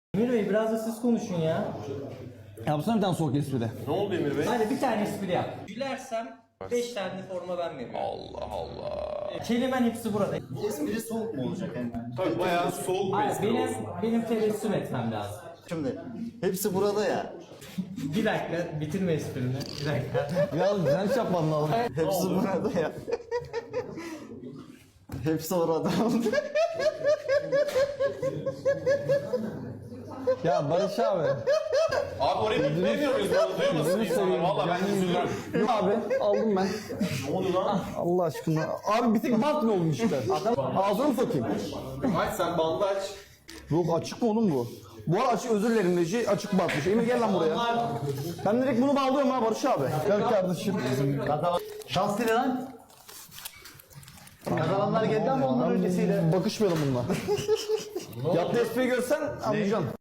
Emir Bey biraz da siz konuşun ya. Yapsana bir tane soğuk espri. Ne oldu Emir Bey? Hadi bir tane espri yap. Gülersem 5 tane forma ben veriyorum. Allah Allah. Kelimen hepsi burada. Espri soğuk mu olacak hemen? Tabii bayağı soğuk bir Hayır, espri olsun. benim tebessüm etmem lazım. Şimdi hepsi burada ya. Bir dakika bitirme esprini. Bir dakika. Biraz direnç yapman lazım. Hepsi burada ya. Hepsi orada. Ya Barış abi. Abi oraya bitiremiyor muyuz? Duymasın insanlar. Valla ben üzülürüm. Yok abi aldım ben. Ne oldu lan? Allah aşkına. Abi bir tek bant ne olmuş işte. Ağzına mı sokayım? Aç sen bandı aç. Yok açık mı oğlum bu? Bu arada açık, özür dilerim Reji, açık batmış. Emir gel lan buraya. Ben direkt bunu bağlıyorum ha Barış abi. Gel kardeşim. Şans dile lan. Kazananlar geldi ama ondan öncesiyle. Bakışmayalım bununla. Yaptığı espriyi görsen anlayacaksın.